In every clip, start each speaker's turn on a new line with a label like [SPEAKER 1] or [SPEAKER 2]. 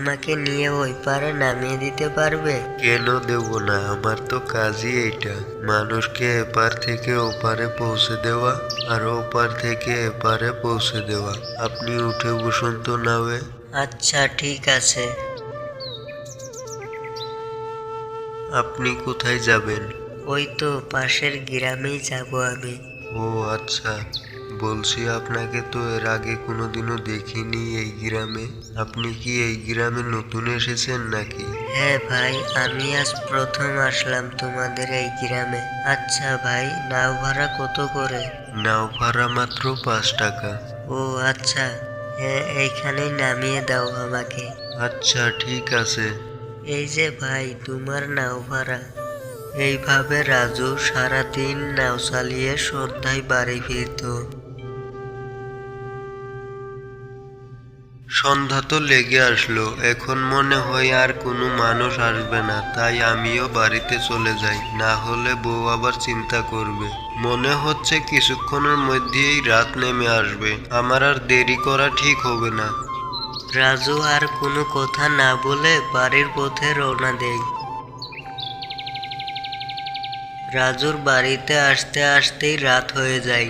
[SPEAKER 1] আমাকে নিয়ে ওই পারে নামিয়ে দিতে পারবে?
[SPEAKER 2] কেন দেব না, আমার তো কাজই এইটা। মানুষকে এপার থেকে ওপারে পৌঁছে দেওয়া আর ওপার থেকে এপারে পৌঁছে দেওয়া। আপনি উঠে বসুন তো নাওয়ে।
[SPEAKER 1] আচ্ছা ঠিক আছে।
[SPEAKER 2] আপনি কোথায় যাবেন?
[SPEAKER 1] ওই তো পাশের গ্রামেই যাব আমি।
[SPEAKER 2] ও আচ্ছা, বলছি আপনাকে তো এর আগে কোনোদিনও দেখিনি এই গ্রামে। আপনি কি এই গ্রামে নতুন এসেছেন নাকি?
[SPEAKER 1] হ্যাঁ ভাই, আমি আজ প্রথম আসলাম তোমাদের এই গ্রামে। আচ্ছা ভাই, নাও ভাড়া কত করে?
[SPEAKER 2] নাও ভাড়া মাত্র 5 টাকা।
[SPEAKER 1] ও আচ্ছা, হ্যাঁ এইখানেই নামিয়ে দাও আমাকে।
[SPEAKER 2] আচ্ছা ঠিক আছে।
[SPEAKER 1] এই যে ভাই তোমার নাও ভাড়া। এইভাবে রাজু সারাদিন নাও চালিয়ে সন্ধ্যায় বাড়ি ফিরত।
[SPEAKER 2] সন্ধ্যা তো লেগে আসলো, এখন মনে হয় আর কোনো মানুষ আসবে না, তাই আমিও বাড়িতে চলে যাই, না হলে বউ আবার চিন্তা করবে। মনে হচ্ছে কিছুক্ষণের মধ্যেই রাত নেমে আসবে, আমার আর দেরি করা ঠিক হবে না।
[SPEAKER 1] রাজু আর কোনো কথা না বলে বাড়ির পথে রওনা দেয়। রাজুর বাড়িতে আসতে আসতেই রাত হয়ে যায়।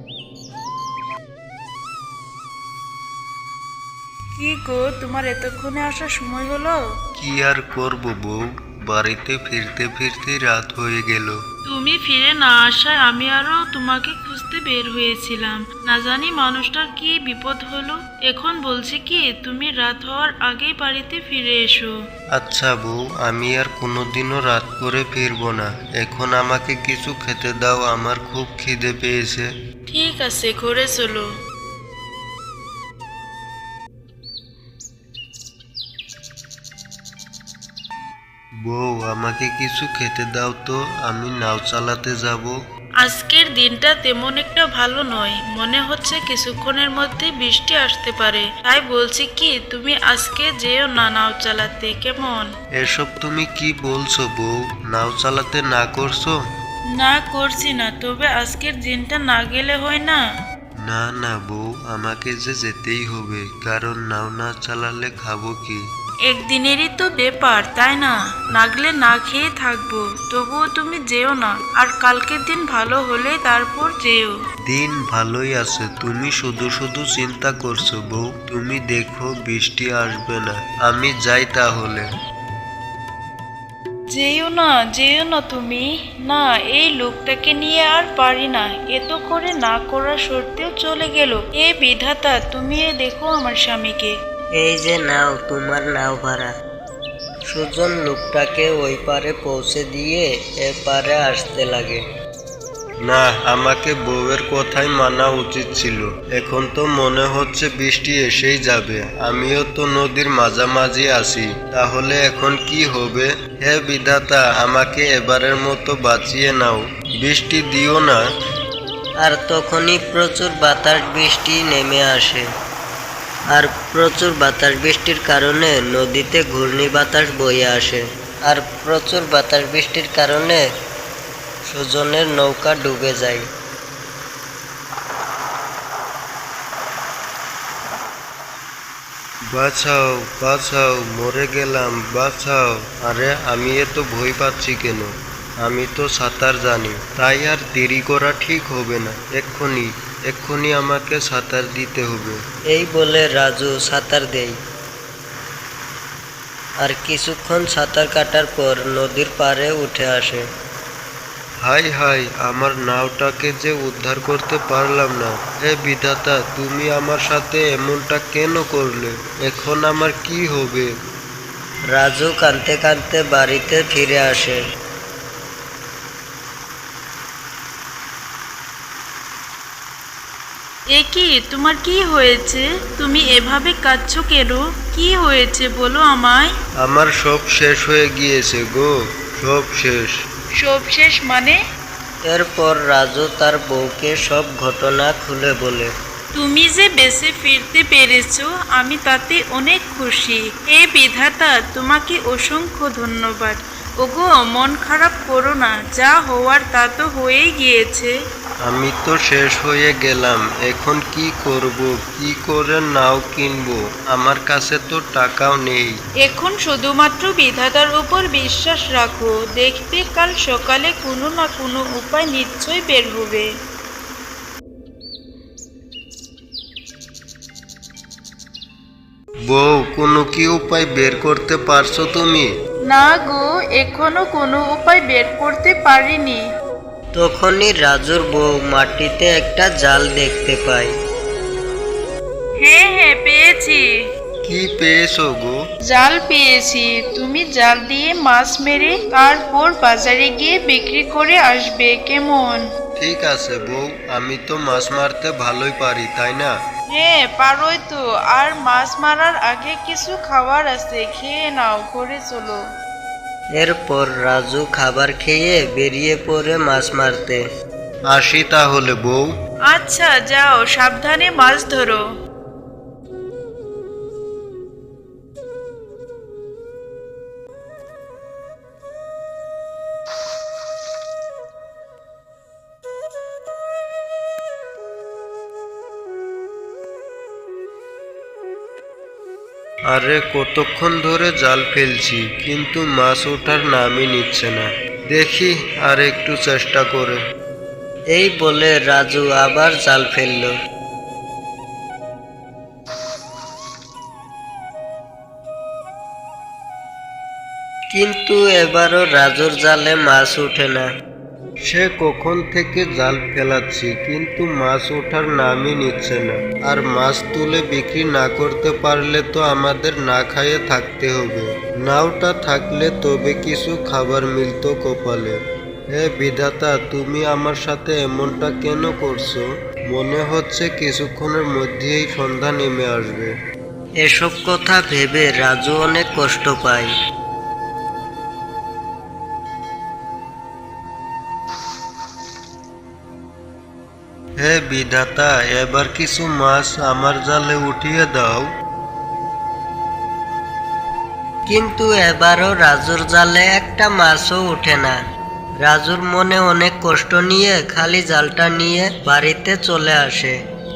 [SPEAKER 3] কি গো, তোমার এতক্ষণে আসার সময় হলো?
[SPEAKER 2] কি আর করব বউ, বাড়িতে ফিরতে ফিরতে রাত হয়ে গেল।
[SPEAKER 3] তুমি ফিরে না আসায় আমি আরো তোমাকে খুঁজতে বের হয়েছিলাম, না জানি মানুষটার কি বিপদ হলো। এখন বলছি কি, তুমি রাত হওয়ার আগেই বাড়িতে ফিরে এসো।
[SPEAKER 2] আচ্ছা বউ, আমি আর কোনোদিনও রাত করে ফিরবো না। এখন আমাকে কিছু খেতে দাও, আমার খুব খিদে পেয়েছে।
[SPEAKER 3] ঠিক আছে, ঘরে চলো।
[SPEAKER 2] বউ, আমাকে কিছু খেতে দাও তো, আমি নাও চালাতে যাব।
[SPEAKER 3] আজকের দিনটা তেমন একটা ভালো নয়, মনে হচ্ছে কিছুক্ষণের মধ্যে বৃষ্টি আসতে পারে। তাই বলছি কি, তুমি আজকে যেও না নাও চালাতে, কেমন?
[SPEAKER 2] এসব তুমি কি বলছো বউ, নাও চালাতে না করছো?
[SPEAKER 3] না করছি না, তবে আজকের দিনটা না গেলে হয় না।
[SPEAKER 2] না না বউ, আমাকে যে যেতেই হবে, কারণ নাও না চালালে খাবো কি?
[SPEAKER 3] একদিনেরই তো ব্যাপার, তাই না? না গেলে না খেয়ে থাকবো, তবুও তুমি যেও না। আর কালকের দিন ভালো হলে তারপর যেও।
[SPEAKER 2] দিন ভালোই আছে, তুমি শুধু শুধু চিন্তা করছো বউ। তুমি দেখো বৃষ্টি আসবে না, আমি যাই তাহলে।
[SPEAKER 3] যেও না, যেও না তুমি। না, এই লোকটাকে নিয়ে আর পারি না, এত করে না করা সত্ত্বেও চলে গেল। এ বিধাতা, তুমি দেখো আমার স্বামীকে।
[SPEAKER 1] এই যে নাও তোমার নাও ভাড়া। সুজন লোকটাকে ওই পারে পৌঁছে দিয়ে এ পারে আসতে লাগে।
[SPEAKER 2] না, আমাকে বউয়ের কথাই মানা উচিত ছিল। এখন তো মনে হচ্ছে বৃষ্টি এসেই যাবে, আমিও তো নদীর মাঝামাঝি আছি। তাহলে এখন কি হবে? হে বিধাতা, আমাকে এবারের মতো বাঁচিয়ে নাও, বৃষ্টি দিও না।
[SPEAKER 1] আর তখনই প্রচুর বাতাস বৃষ্টি নেমে আসে। আর প্রচুর বাতাস বৃষ্টির কারণে নদীতে ঘূর্ণি বাতাস বয়ে আসে। আর প্রচুর বাতাস বৃষ্টির কারণে সুজনের নৌকা ডুবে যায়।
[SPEAKER 2] বাঁচাও বাঁচাও, মরে গেলাম, বাঁচাও। আরে আমি এত ভয় পাচ্ছি কেন? আমি তো সাঁতার জানি, তাই আর দেরি করা ঠিক হবে না। এক্ষুনি এক্ষুনি আমাকে সাঁতার দিতে হবে।
[SPEAKER 1] এই বলে রাজু সাঁতার দেয়। আর কিছুক্ষণ সাঁতার কাটার পর নদীর পাড়ে উঠে আসে।
[SPEAKER 2] হাই হাই, আমার নাওটাকে যে উদ্ধার করতে পারলাম না। হে বিধাতা, তুমি আমার সাথে এমনটা কেন করলে? এখন আমার কি হবে?
[SPEAKER 1] রাজু কাঁদতে কাঁদতে বাড়িতে ফিরে আসে।
[SPEAKER 3] এ কি, তোমার কি হয়েছে? তুমি এভাবে কাঁদছো কেন? কি হয়েছে বলো আমায়।
[SPEAKER 2] আমার সব শেষ হয়ে গিয়েছে গো, সব শেষ।
[SPEAKER 3] সব শেষ মানে?
[SPEAKER 1] এরপর রাজু তার বউকে সব ঘটনা খুলে বলে।
[SPEAKER 3] তুমি যে বেঁচে ফিরতে পেরেছো, আমি তাতে অনেক খুশি। হে বিধাতা, তোমাকে অসংখ্য ধন্যবাদ। ওগো মন খারাপ করো না, যা হওয়ার তা তো হয়েই গিয়েছে।
[SPEAKER 2] আমি তো শেষ হয়ে গেলাম, এখন কি করব? কি করে নাও কিনবো? আমার কাছে তো টাকাও নেই।
[SPEAKER 3] এখন শুধুমাত্র বিধাতার উপর বিশ্বাস রাখো, দেখবে কাল সকালে কোনো না কোনো উপায় নিশ্চয়ই বের হবে।
[SPEAKER 2] বউ, কোনো কি উপায় বের করতে পারছো তুমি?
[SPEAKER 3] না গো, এখনো কোনো উপায় বের করতে পারিনি।
[SPEAKER 1] তখনই রাজুর বউ মাটিতে একটা জাল দেখতে পায়।
[SPEAKER 3] হ্যাঁ হ্যাঁ, পেয়েছি।
[SPEAKER 2] কি পেয়েছো গো?
[SPEAKER 3] জাল পেয়েছি, তুমি জাল দিয়ে মাছ মেরে তারপর বাজারে গিয়ে বিক্রি করে আসবে, কেমন?
[SPEAKER 2] ঠিক আছে বউ, আমি তো মাছ মারতে ভালোই পারি, তাই না?
[SPEAKER 3] হ্যাঁ পারোই তো, আর মাছ মারার আগে কিছু খাবার আছে, খেয়ে নাও, ঘরে চলো।
[SPEAKER 1] এরপর রাজু খাবার খেয়ে বেরিয়ে পড়ে মাছ মারতে।
[SPEAKER 2] আসি তাহলে বউ।
[SPEAKER 3] আচ্ছা যাও, সাবধানে মাছ ধরো।
[SPEAKER 2] আরে কতক্ষণ ধরে জাল ফেলছি, কিন্তু মাছ ওঠার নামই নিচ্ছে না। দেখি আর একটু চেষ্টা করে।
[SPEAKER 1] এই বলে রাজু আবার জাল ফেললো। কিন্তু এবারও রাজুর জালে মাছ ওঠে না।
[SPEAKER 2] সে কখন থেকে জাল ফেলাচ্ছি, কিন্তু মাছ ওঠার নামই নিচ্ছে না। আর মাছ তুলে বিক্রি না করতে পারলে তো আমাদের না খাইয়ে থাকতে হবে। নাওটা থাকলে তবে কিছু খাবার মিলতো কপালে। হে বিধাতা, তুমি আমার সাথে এমনটা কেন করছো? মনে হচ্ছে কিছুক্ষণের মধ্যেই সন্ধ্যা নেমে আসবে।
[SPEAKER 1] এসব কথা ভেবে রাজু অনেক কষ্ট পায়।
[SPEAKER 2] হে বিধাতা, এবার কিছু মাছ আমার জালে উঠিয়ে দাও।
[SPEAKER 1] কিন্তু এবারও রাজুর জালে একটা মাছও ওঠে না। রাজুর মনে অনেক কষ্ট নিয়ে খালি জালটা নিয়ে বাড়িতে চলে আসে।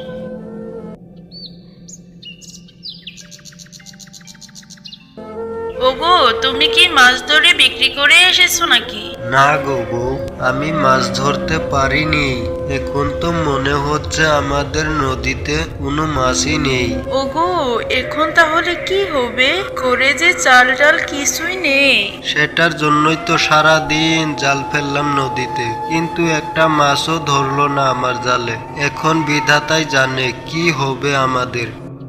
[SPEAKER 3] ওগো, তুমি কি মাছ ধরে বিক্রি করে এসেছো নাকি?
[SPEAKER 2] না গো বউ, আমি মাছ ধরতে পারিনি। এখন তো মনে হচ্ছে আমাদের নদীতে কোনো মাছই নেই।
[SPEAKER 3] ওগো, এখন তাহলে কি হবে? করে যে চাল ডাল কিছুই নেই।
[SPEAKER 2] সেটার জন্যই তো সারা দিন জাল ফেললাম নদীতে, কিন্তু একটা মাছও ধরলো না আমার জালে। এখন বিধাতাই জানে কি হবে আমাদের।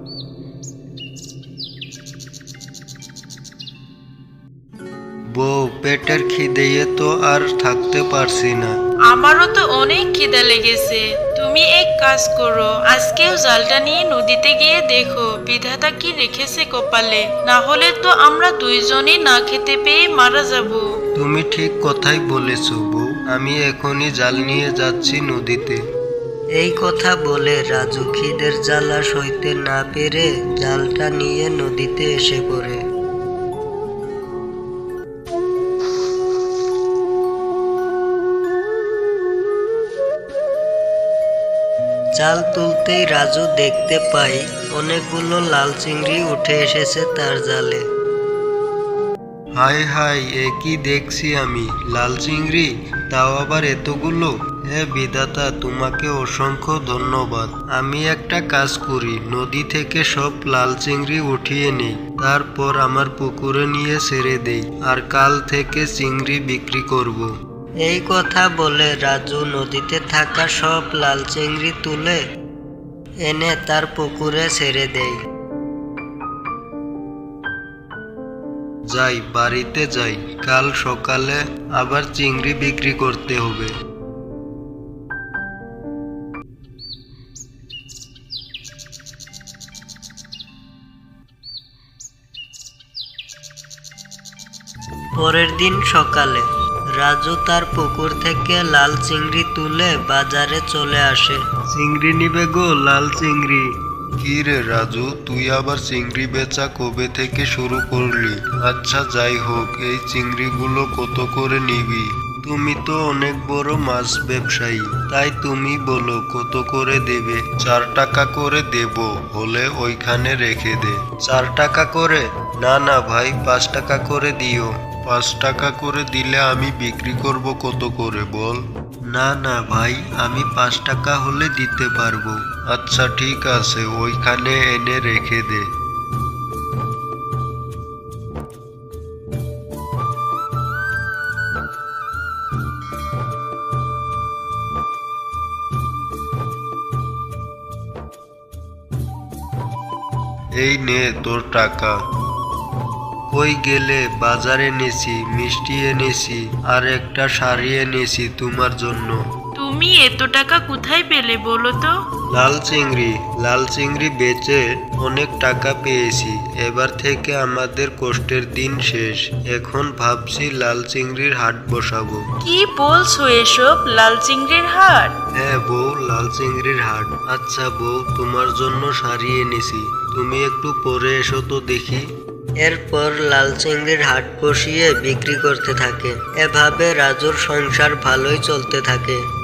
[SPEAKER 2] বউ, পেটের খিদেয়ে তো আর থাকতে পারছি না।
[SPEAKER 3] আমারও তো অনেক খিদা লেগেছে। তুমি এক কাজ করো, আজকেও জালটা নিয়ে নদীতে গিয়ে দেখো বিধাতা কি রেখেছে কপালে, না হলে তো আমরা দুইজনই না খেতে পেয়ে মারা যাব।
[SPEAKER 2] তুমি ঠিক কথাই বলেছ বউ, আমি এখনই জাল নিয়ে যাচ্ছি নদীতে।
[SPEAKER 1] এই কথা বলে রাজু খিদের জ্বালা সইতে না পেরে জালটা নিয়ে নদীতে এসে পড়ে। জাল তুলতেই রাজু দেখতে পায় অনেকগুলো লাল চিংড়ি উঠে এসেছে তার জালে।
[SPEAKER 2] হাই হাই, এ কি দেখছি আমি? লাল চিংড়ি, তাও আবার এতগুলো! হে বিধাতা, তোমাকে অসংখ্য ধন্যবাদ। আমি একটা কাজ করি, নদী থেকে সব লাল চিংড়ি উঠিয়ে নেই, তারপর আমার পুকুরে নিয়ে ছেড়ে দেই, আর কাল থেকে চিংড়ি বিক্রি করব।
[SPEAKER 1] এই কথা বলে রাজু নদীতে থাকা সব লাল চিংড়ি তুলে এনে তার পুকুরে ছেড়ে দেয়।
[SPEAKER 2] যাই, বাড়িতে যাই, কাল সকালে আবার চিংড়ি বিক্রি করতে হবে।
[SPEAKER 1] পরের দিন সকালে রাজু তার পুকুর থেকে লাল চিংড়ি তুলে বাজারে চলে আসে।
[SPEAKER 2] চিংড়ি নিবে গো, লাল চিংড়ি। কি রে রাজু, তুই আবার চিংড়ি বেচা কবে থেকে শুরু করলি? আচ্ছা যাই হোক, এই চিংড়িগুলো কত করে নিবি? তুমি তো অনেক বড় মাছ ব্যবসায়ী, তাই তুমি বলো কত করে দেবে? 4 টাকা করে দেব, হলে ওইখানে রেখে দে। 4 টাকা করে? না না ভাই, 5 টাকা করে দিও। 5 টাকা করে দিলে আমি বিক্রি করব কত করে বল? না না ভাই, আমি 5 টাকা হলে দিতে পারবো। আচ্ছা ঠিক আছে, ওইখানে এনে রেখে দে। এই নে তোর টাকা। কই গেলে? বাজারে এনেছি, মিষ্টি এনেছি, আর একটা শাড়ি এনেছি তোমার জন্য।
[SPEAKER 3] তুমি এত টাকা কোথায় পেলে বলো তো?
[SPEAKER 2] লাল চিংড়ি বেচে অনেক টাকা পেয়েছি। এবার থেকে আমাদের কষ্টের দিন শেষ। এখন ভাবছি লাল চিংড়ির হাট বসাবো।
[SPEAKER 3] কি বলছো এসব? লাল চিংড়ির হাট?
[SPEAKER 2] হ্যাঁ বউ, লাল চিংড়ির হাট। আচ্ছা বউ, তোমার জন্য শাড়ি এনেছি, তুমি একটু পরে এসো তো দেখি।
[SPEAKER 1] এরপর লাল চিংড়ির হাট বসিয়ে বিক্রি করতে থাকে। এভাবে রাজুর সংসার ভালোই চলতে থাকে।